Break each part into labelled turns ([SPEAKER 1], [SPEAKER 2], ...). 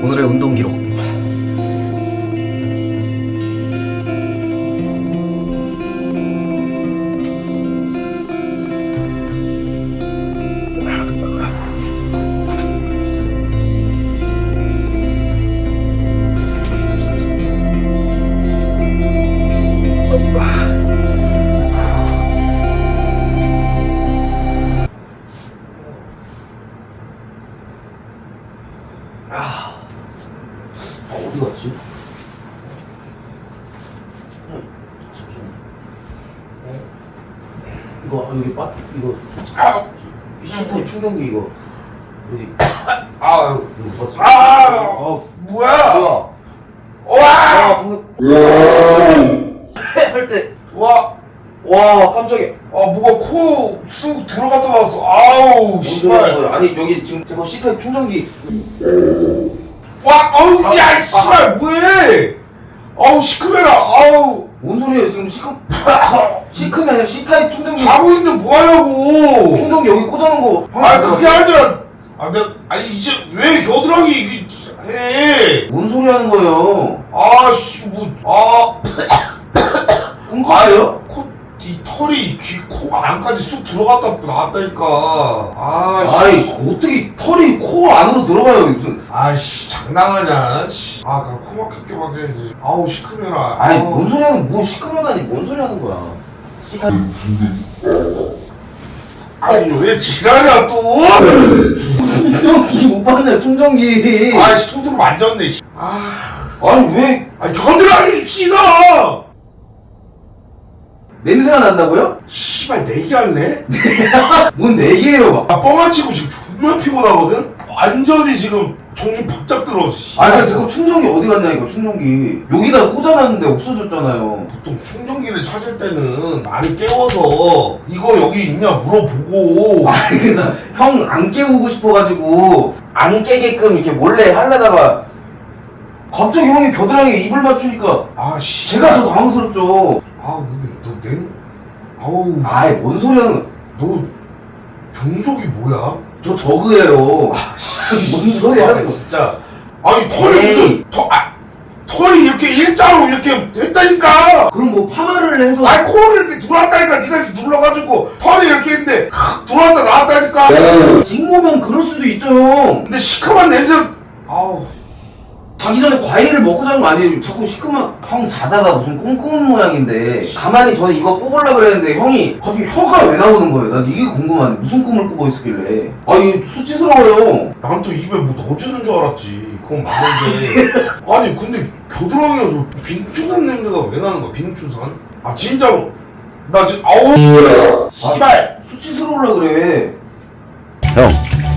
[SPEAKER 1] 오늘의 운동 기록.
[SPEAKER 2] 어디 갔지? 잠시만. 이거 여기 이거 시트 충전기 이거 여기
[SPEAKER 3] 아유,
[SPEAKER 2] 이거 봤어?
[SPEAKER 3] 뭐야?
[SPEAKER 2] 뭐야?
[SPEAKER 3] 와!
[SPEAKER 2] 할 때
[SPEAKER 3] 와,
[SPEAKER 2] 깜짝이야.
[SPEAKER 3] 뭐가 코 쑥 들어갔다 나왔어. 아우, 씨발.
[SPEAKER 2] 아니 여기 지금 제거 시트 충전기.
[SPEAKER 3] 와, 아우, 야, 씨발, 뭐해? 아우, 시큼해라. 아우,
[SPEAKER 2] 뭔 소리야 지금 시크면 아니라 C타입 충전기.
[SPEAKER 3] 자고 있는데 뭐 하냐고.
[SPEAKER 2] 충전기 여기 꽂아놓은 거.
[SPEAKER 3] 그게 아니라, 이제 왜 겨드랑이 이게 해?
[SPEAKER 2] 뭔 소리 하는 거예요?
[SPEAKER 3] 아씨,
[SPEAKER 2] 꿈꿨어요?
[SPEAKER 3] 이 털이 코 안까지 쑥 들어갔다 나왔다니까.
[SPEAKER 2] 아이 어떻게 털이 코 안으로 들어가요 무슨?
[SPEAKER 3] 아이씨, 장난하냐? 씨. 코 막혔게 막혀야지. 아우, 시큼해라.
[SPEAKER 2] 아니 뭔 소리 하는 뭐 시끄러다니 뭔 소리 하는 거야?
[SPEAKER 3] 아니, 왜 지랄이야, 또?
[SPEAKER 2] 충전기 못 봤네 충전기.
[SPEAKER 3] 아이씨, 손으로 만졌네, 씨.
[SPEAKER 2] 아니 왜
[SPEAKER 3] 겨드랑이 씻어!
[SPEAKER 2] 냄새가 난다고요?
[SPEAKER 3] 씨발, 내기할래?
[SPEAKER 2] 뭔 내기예요?
[SPEAKER 3] 뻥안 치고 지금 존나 피곤하거든? 완전히 지금 정신 바짝 들어, 씨.
[SPEAKER 2] 아니 지금 충전기 어디 갔냐 이거 충전기 여기다 꽂아놨는데 없어졌잖아요.
[SPEAKER 3] 보통 충전기를 찾을 때는 나를 깨워서 이거 여기 있냐 물어보고.
[SPEAKER 2] 아니 그니까 형 안 깨우고 싶어가지고 안 깨게끔 이렇게 몰래 하려다가 갑자기 형이 겨드랑이에 입을 맞추니까
[SPEAKER 3] 씨.
[SPEAKER 2] 제가 더 당황스럽죠.
[SPEAKER 3] 근데 아우.
[SPEAKER 2] 아이 뭔 소리 하는 거야?
[SPEAKER 3] 너 종족이 뭐야?
[SPEAKER 2] 저 저그예요. 뭔 소리 하는 거야?
[SPEAKER 3] 진짜. 아니, 털이
[SPEAKER 2] 에이.
[SPEAKER 3] 무슨, 털이 이렇게 일자로 이렇게 됐다니까!
[SPEAKER 2] 그럼 뭐 파마를 해서
[SPEAKER 3] 코를 이렇게 들어왔다니까! 네가 이렇게 눌러가지고 털이 이렇게 했는데, 들어왔다 나왔다니까!
[SPEAKER 2] 직모면 그럴 수도 있죠 형.
[SPEAKER 3] 근데 시큼한 냄새, 아우.
[SPEAKER 2] 자기 전에 과일을 먹고 자는 거 아니에요? 자꾸 시큼한 형 자다가 무슨 꿈 꾸는 모양인데 가만히 저는 이거 뽑으려고 그랬는데 형이 갑자기 혀가 왜 나오는 거예요? 난 이게 궁금한데 무슨 꿈을 꾸고 있었길래 이게 수치스러워요.
[SPEAKER 3] 난 또 입에 뭐 넣어주는 줄 알았지. 그건 맞는데. 아니, 근데 겨드랑이에서 빙추산 냄새가 왜 나는 거야, 빙추산? 진짜로. 나 지금, 아우. 씨발!
[SPEAKER 2] 수치스러우려 그래.
[SPEAKER 1] 형.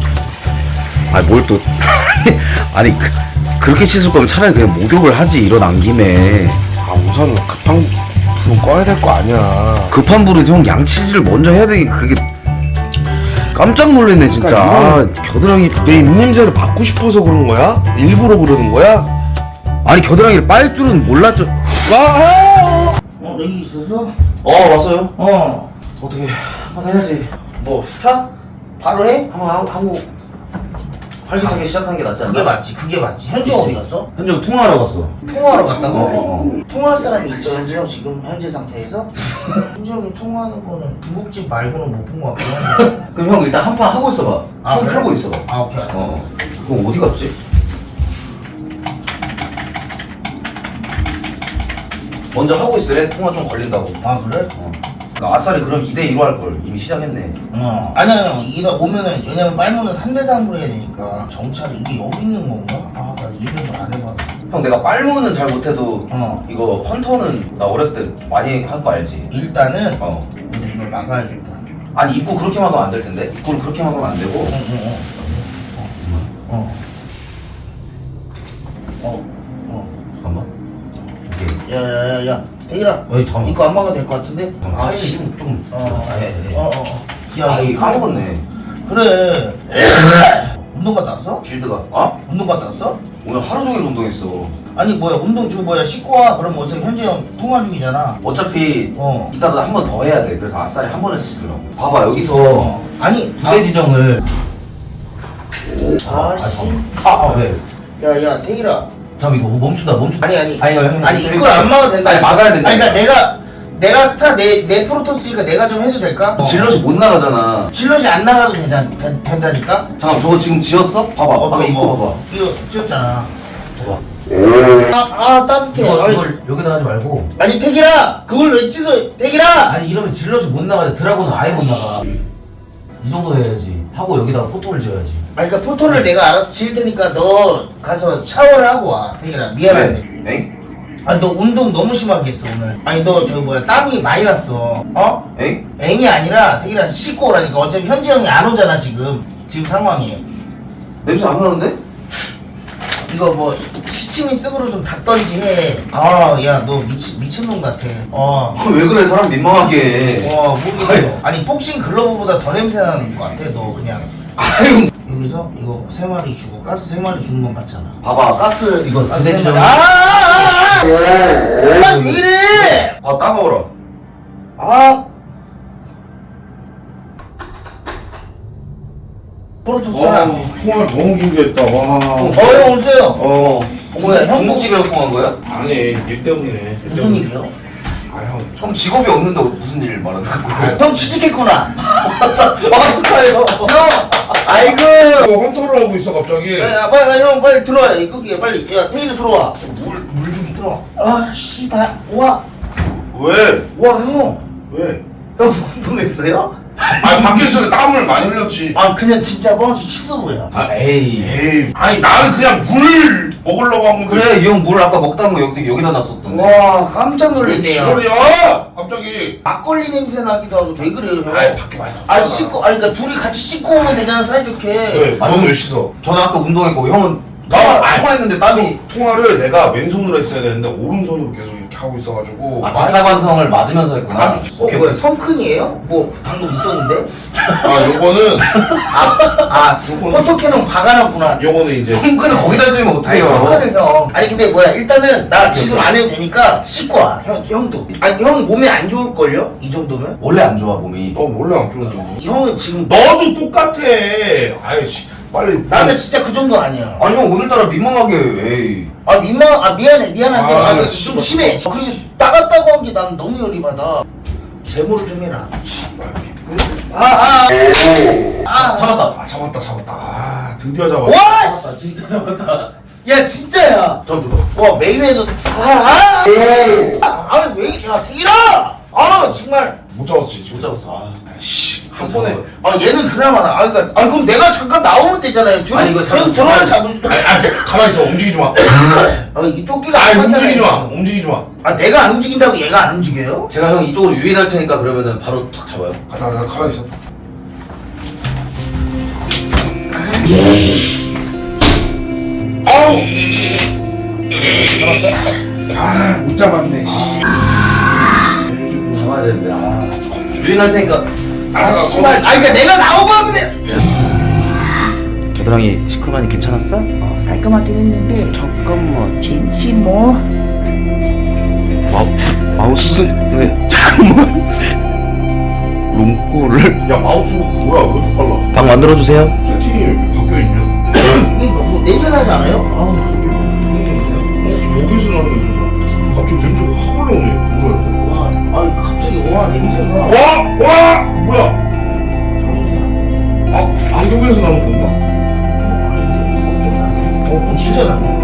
[SPEAKER 1] 뭘 또. 아니, 그렇게 씻을 거면 차라리 그냥 목욕을 하지, 일어난 김에.
[SPEAKER 3] 우선 급한 불은 꺼야 될 거 아니야.
[SPEAKER 1] 급한 불은 형 양치질을 먼저 해야 되게 그게. 깜짝 놀랐네, 진짜.
[SPEAKER 3] 그러니까
[SPEAKER 1] 겨드랑이.
[SPEAKER 3] 내 입냄새를 받고 싶어서 그런 거야? 일부러 그러는 거야?
[SPEAKER 1] 아니, 겨드랑이를 빨 줄은 몰랐죠.
[SPEAKER 4] 내일 있어서?
[SPEAKER 2] 왔어요? 어떻게 한번 해야지.
[SPEAKER 4] 뭐 스타? 바로 해?
[SPEAKER 2] 한번 하고 활기차게 시작하는 게 낫지 않나?
[SPEAKER 4] 그게 맞지. 현재 어디 갔어?
[SPEAKER 2] 현정 통화하러 갔어.
[SPEAKER 4] 통화하러 갔다고?
[SPEAKER 2] 어.
[SPEAKER 4] 통화할 사람이 있어 현재 형 지금 현재 상태에서? 현재 형이 통화하는 거는 중국집 말고는 못 본 것 같긴 한데.
[SPEAKER 2] 그럼 형 일단 한 판 하고 있어봐. 손
[SPEAKER 4] 그래?
[SPEAKER 2] 풀고 있어봐.
[SPEAKER 4] 오케이.
[SPEAKER 2] 그럼 어디 갔지? 먼저 하고 있으래. 통화 좀 걸린다고.
[SPEAKER 4] 그래?
[SPEAKER 2] 그러니까 아싸리 그럼 2대 1로 할 걸. 이미 시작했네.
[SPEAKER 4] 아니야 이거 오면은 왜냐면 빨무는 3대 3으로 해야 되니까 정찰이 이게 여기 있는 건가? 나 이름을 안 해봐서.
[SPEAKER 2] 형 내가 빨무는 잘 못해도 이거 헌터는 나 어렸을 때 많이 한 거 알지?
[SPEAKER 4] 일단은 근데 이걸 막아야겠다.
[SPEAKER 2] 아니 입구 그렇게 막으면 안 될 텐데. 입구를 그렇게 막으면 안 되고. 잠깐만.
[SPEAKER 4] 야야야야 대기라.
[SPEAKER 2] 잠깐만.
[SPEAKER 4] 이거 안 막아도 될 것 같은데?
[SPEAKER 2] 타이밍이 좀.
[SPEAKER 4] 야
[SPEAKER 2] 까먹었네.
[SPEAKER 4] 그래. 운동 갔다 왔어?
[SPEAKER 2] 필드가.
[SPEAKER 4] 운동 갔다 왔어?
[SPEAKER 2] 오늘 하루 종일 운동했어.
[SPEAKER 4] 아니 운동 씻고 와. 그럼 어차피 현재 형 통화 중이잖아.
[SPEAKER 2] 어차피 이따가 한 번 더 해야 돼. 그래서 아싸리 한 번에 씻으려고. 봐봐 여기서
[SPEAKER 4] 아니
[SPEAKER 2] 부대 지정을.
[SPEAKER 4] 아씨.
[SPEAKER 2] 왜?
[SPEAKER 4] 야야 태일아.
[SPEAKER 2] 잠깐 이거 멈춘다.
[SPEAKER 4] 아니 이걸 안 막아도 된다.
[SPEAKER 2] 아니 막아야 된다.
[SPEAKER 4] 아니 그러니까 내가 스타 내 프로토스니까 내가 좀 해도 될까?
[SPEAKER 2] 질럿이 못 나가잖아.
[SPEAKER 4] 질럿이 안 나가도 된다니까?
[SPEAKER 2] 잠깐 저거 지금 지었어? 봐봐. 아까 입고 봐봐.
[SPEAKER 4] 이거 찍었잖아.
[SPEAKER 2] 봐봐.
[SPEAKER 4] 따뜻해.
[SPEAKER 2] 이걸 여기다 하지 말고.
[SPEAKER 4] 아니 태길아 그걸 왜 취소해? 태길아.
[SPEAKER 2] 아니 이러면 질럿이 못 나가지. 드라곤은 아예 못 나가. 이 정도 해야지. 하고 여기다가 포토를 지어야지.
[SPEAKER 4] 아니 그러니까 포토를 내가 알아서 지을 테니까 너 가서 샤워를 하고 와. 태길아 미안한데.
[SPEAKER 2] 엥?
[SPEAKER 4] 아니 너 운동 너무 심하게 했어 오늘. 아니 너 저기 뭐야 땀이 많이 났어. 어?
[SPEAKER 2] 엥?
[SPEAKER 4] 앵이 아니라 태길아 씻고 오라니까. 어차피 현지 형이 안 오잖아 지금 상황이.
[SPEAKER 2] 냄새 안 나는데?
[SPEAKER 4] 이거 뭐 시치미 쓱으로 좀 닦던지 해. 야 너 미친놈 같아.
[SPEAKER 2] 왜 그래 사람 민망하게.
[SPEAKER 4] 모르겠어. 아니 복싱 글러브보다 더 냄새 나는 것 같아 너 그냥.
[SPEAKER 2] 아유.
[SPEAKER 4] 여기서 이거 3마리 주고 가스 3마리 주는 건 맞잖아.
[SPEAKER 2] 봐봐 가스 이거
[SPEAKER 4] 가스
[SPEAKER 2] 내
[SPEAKER 4] 3마리.
[SPEAKER 2] 지점.
[SPEAKER 4] 왜 이래?
[SPEAKER 2] 따가워라.
[SPEAKER 4] 프로토스야.
[SPEAKER 3] 통화를 너무 길게 했다. 와.
[SPEAKER 4] 형 오세요. 뭐야, 형
[SPEAKER 2] 중국집이랑 통한 거야?
[SPEAKER 3] 아니 일 때문에.
[SPEAKER 4] 무슨 일이요?
[SPEAKER 3] 아 형.
[SPEAKER 2] 형 직업이 없는데 무슨 일 말하는 거야?
[SPEAKER 4] 형 취직했구나.
[SPEAKER 2] 축하해요.
[SPEAKER 4] 형, 아이고.
[SPEAKER 3] 이거 헌터를 하고 있어 갑자기.
[SPEAKER 4] 야, 빨리 형 빨리 들어와. 거기에 빨리. 야, 태인이 들어와.
[SPEAKER 3] 물 좀.
[SPEAKER 4] 들어와. 씨발. 와,
[SPEAKER 3] 왜?
[SPEAKER 4] 형.
[SPEAKER 3] 왜?
[SPEAKER 4] 형 운동했어요?
[SPEAKER 3] 아니 밖에서 땀을 많이 흘렸지.
[SPEAKER 4] 그냥 진짜 뻥치 취소부야.
[SPEAKER 2] 에이.
[SPEAKER 3] 에이. 아니 나는 그냥 물 먹으려고 한 건데.
[SPEAKER 2] 그래 이 형 물 아까 먹다는 거 여기다 놨었던데.
[SPEAKER 4] 와, 깜짝
[SPEAKER 3] 왜
[SPEAKER 4] 놀랐네요.
[SPEAKER 3] 지랄이야? 갑자기.
[SPEAKER 4] 막걸리 냄새 나기도 하고 왜 그래요, 형?
[SPEAKER 3] 아니 밖에 많이 나왔잖아.
[SPEAKER 4] 아니 씻고, 그러니까 둘이 같이 씻고 오면 되잖아, 사이좋게.
[SPEAKER 3] 왜? 너는 왜 씻어?
[SPEAKER 2] 저는 아까 운동했고 형은
[SPEAKER 3] 나
[SPEAKER 2] 통화했는데 땀이
[SPEAKER 3] 통화를 내가 왼손으로 했어야 되는데 오른손으로 계속 이렇게 하고 있어가지고.
[SPEAKER 2] 직사광선을 맞으면서 했구나.
[SPEAKER 4] 뭐야, 성큰이에요? 뭐 방금 있었는데?
[SPEAKER 3] 요거는
[SPEAKER 4] 포토캐논 박아놨구나.
[SPEAKER 3] 요거는 이제
[SPEAKER 2] 형근을 거기다 주면
[SPEAKER 4] 아니
[SPEAKER 2] 어떡해요?
[SPEAKER 4] 성큰을 형. 아니 근데 뭐야, 일단은 나 지금 안 해도 되니까 씻고 와. 형도. 아니 형 몸에 안 좋을걸요? 이 정도면?
[SPEAKER 2] 원래 안 좋아 몸이.
[SPEAKER 3] 너 원래 안 좋은데.
[SPEAKER 4] 이 형은 지금
[SPEAKER 3] 너도 똑같아. 아이씨 빨리.
[SPEAKER 4] 나는 진짜 그 정도 아니야.
[SPEAKER 2] 아니 형 오늘따라 민망하게 에이.
[SPEAKER 4] 미안한데 좀
[SPEAKER 3] 씨발.
[SPEAKER 4] 심해. 그리고 따갑다고 한 게 나는 너무 열이 받아. 제모를 좀 해라.
[SPEAKER 2] 잡았다.
[SPEAKER 3] 잡았다. 드디어 잡았다.
[SPEAKER 4] 와!
[SPEAKER 2] 진짜 잡았다.
[SPEAKER 4] 야 진짜야.
[SPEAKER 2] 저 줘봐.
[SPEAKER 4] 와 메이웨더. 왜? 야 태일아. 정말.
[SPEAKER 3] 못 잡았지 지금.
[SPEAKER 2] 못 잡았어.
[SPEAKER 3] 한 번에.
[SPEAKER 4] 얘는 그나마 그러니까 그럼 내가 잠깐 나오면 되잖아요.
[SPEAKER 2] 아니, 이거
[SPEAKER 4] 형 들어와 잡을.
[SPEAKER 3] 가만히 있어. 움직이지 마.
[SPEAKER 4] 이 조끼가
[SPEAKER 3] 아니
[SPEAKER 4] 안 맞잖아요.
[SPEAKER 3] 움직이지 마.
[SPEAKER 4] 내가 안 움직인다고 얘가 안 움직여요?
[SPEAKER 2] 제가 형 이쪽으로 유인할 테니까 그러면은 바로 탁 잡아요.
[SPEAKER 3] 나 가만히 있어. 못 잡았네.
[SPEAKER 2] 잡아야 되는데 유인할 테니까.
[SPEAKER 4] 씨발. 그러니까 내가 나오고 하면 돼.
[SPEAKER 1] 겨드랑이 시커먼이 괜찮았어?
[SPEAKER 4] 깔끔하긴 했는데
[SPEAKER 1] 잠깐만.
[SPEAKER 4] 진심 뭐.
[SPEAKER 1] 마우스 잠깐만. 롱꼬를
[SPEAKER 3] 야 마우스가 뭐야? 왜 이렇게 빨라?
[SPEAKER 1] 방 만들어주세요.
[SPEAKER 3] 세팅이 바뀌어 있냐?
[SPEAKER 4] 이게 너무 냄새 나지 않아요?
[SPEAKER 3] 여기서 나는 갑자기 냄새가 확 올라오네. 뭐야?
[SPEAKER 4] 갑자기 냄새가.
[SPEAKER 3] 뭐야? 안경에서 나는 건가?
[SPEAKER 4] 진짜 나.